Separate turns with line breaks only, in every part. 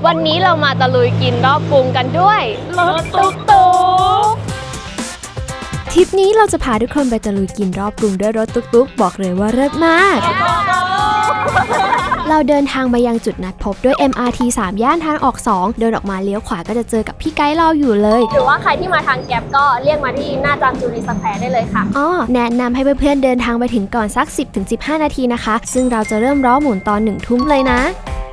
วันนี้เรามาตะลุยกินรอบกรุงกันด้วยรถตุ๊กตุ๊ก
ทริปนี้เราจะพาทุกคนไปตะลุยกินรอบกรุงด้วยรถตุ๊กๆบอกเลยว่าเลิศมากเราเดินทางมายังจุดนัดพบด้วย MRT 3 ย่านทางออก 2 เดินออกมาเลี้ยวขวาก็จะเจอกับพี่ไกด์เราอยู่เลย
หรือว่าใครที่มาทางแก๊ปก็เรียกมาที่หน้าจามจุรีสแควร์ได้เลยค่ะ
แนะนำให้เพื่อนๆเดินทางไปถึงก่อนสัก 10-15 นาทีนะคะซึ่งเราจะเริ่มล้อหมุนตอน 1 ทุ่มเลยนะ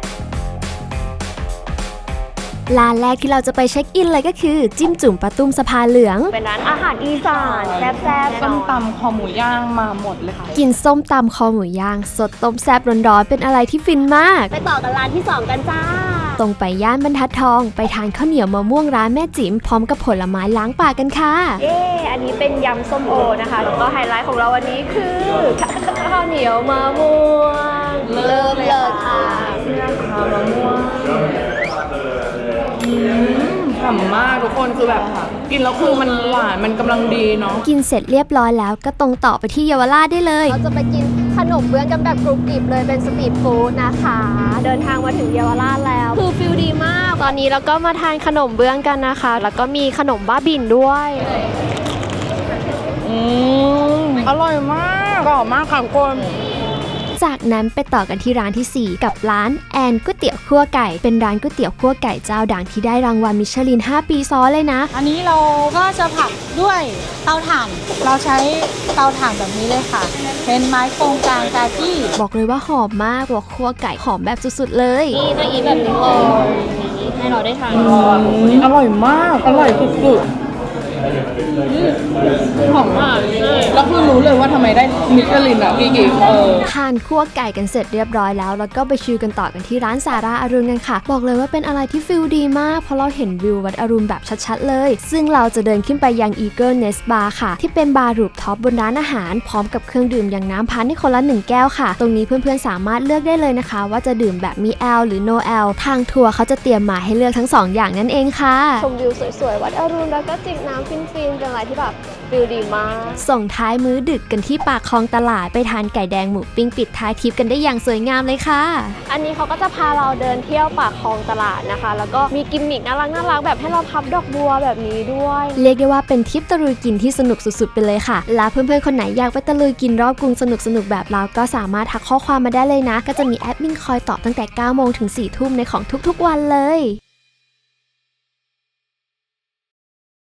ร้านแรกที่เราจะไปเช็คอินเลยก็คือจิ้มจุ่มปลาตุ้มสะพานเหลือง
เป็นร้านอาหารอีสานแซ่บๆ
ส้มตำคอหมูย่างมาหมดเลยค่ะ
กินส้มตำคอหมูย่างสดต้มแซ่บร้อนๆเป็นอะไรที่ฟินมาก
ไปต่อกันร้านที่2กันจ้า
ตรงไปย่านบรรทัดทองไปทานข้าวเหนียวมะม่วงร้านแม่จิ๋มพร้อมกับผลไม้ล้างปากกันค่ะ
อันนี้เป็นยำส้มโอนะคะแล้วก็ไฮไลท์ของเราวันนี้คือข้าวเหนียวมะม่วงเลิศค่ะ
มะม่วงฉ่ำมากทุกคนคือแบบกินแล้วคือมันหวานมันกำลังดีเนาะ
กินเสร็จเรียบร้อยแล้วก็ตรงต่อไปที่เยาวราชได้เลย
เราจะไปกินขนมเบื้องกันแบบกรุบกริบเลยเป็นสตรีทฟู้ดนะคะเดินทางมาถึงเยาวราชแล้วคือฟิลดีมากตอนนี้เราก็มาทานขนมเบื้องกันนะคะแล้วก็มีขนมบ้าบินด้วย
อร่อยมากกรอบมากค่ะทุกคน
จากนั้นไปต่อกันที่ร้านที่4กับร้านแอนก๋วยเตี๋ยวคั่วไก่เป็นร้านก๋วยเตี๋ยวคั่วไก่เจ้าดังที่ได้รางวัลมิชลิน5 ปีซ้อนเลยนะ
อันนี้เราก็จะผัดด้วยเตาถ่านเราใช้เตาถ่านแบบนี้เลยค่ะเป็นไม้โครงกลางกาจี้
บอกเลยว่าหอมมากบอกคั่วไก่หอมแบบสุดๆเลย
นี่ต้องอีแบบนี้เลยให้เราได้ทาน
อร่อยมากอร่อยสุดๆหอมมากแล้วคือรู้เลยว่าทำไมได้มิชลินอ่ะพี่กิ๊ก
ทานคั่วไก่กันเสร็จเรียบร้อยแล้วก็ไปชิลกันต่อกันที่ร้านสาราอรุณกันค่ะบอกเลยว่าเป็นอะไรที่ฟิลดีมากเพราะเราเห็นวิววัดอรุณแบบชัดๆเลยซึ่งเราจะเดินขึ้นไปยัง Eagle Nest Bar ค่ะที่เป็นบาร์รูฟท็อปบนร้านอาหารพร้อมกับเครื่องดื่มอย่างน้ำพันให้คนละ1 แก้วค่ะตรงนี้เพื่อนๆสามารถเลือกได้เลยนะคะว่าจะดื่มแบบมีแอลหรือ no แอลทางทัวร์เขาจะเตรียมมาให้เลือกทั้ง2 อย่างนั่นเองค่ะ
ชมวิวสวยๆวัดอรุณแล้วก็จิบน้ำฟินๆเป็นอะไรที่แบบฟิลดีมาก
ส่งท้ายมื้อดึกกันที่ปากคลองตลาดไปทานไก่แดงหมูปิ้งปิดท้ายทริปกันได้อย่างสวยงามเลยค่ะ
อันนี้เขาก็จะพาเราเดินเที่ยวปากคลองตลาดนะคะแล้วก็มีกิมมิกน่ารักแบบให้เราพับดอกบัวแบบนี้ด้วย
เรียกได้ว่าเป็นทริปตะลุยกินที่สนุกสุดๆไปเลยค่ะและเพื่อนๆคนไหนอยากไปตะลุยกินรอบกรุงสนุกแบบเราก็สามารถทักข้อความมาได้เลยนะก็จะมีแอดมินคอยตอบตั้งแต่ 9 โมงถึง 4 ทุ่มในของทุกๆวันเลย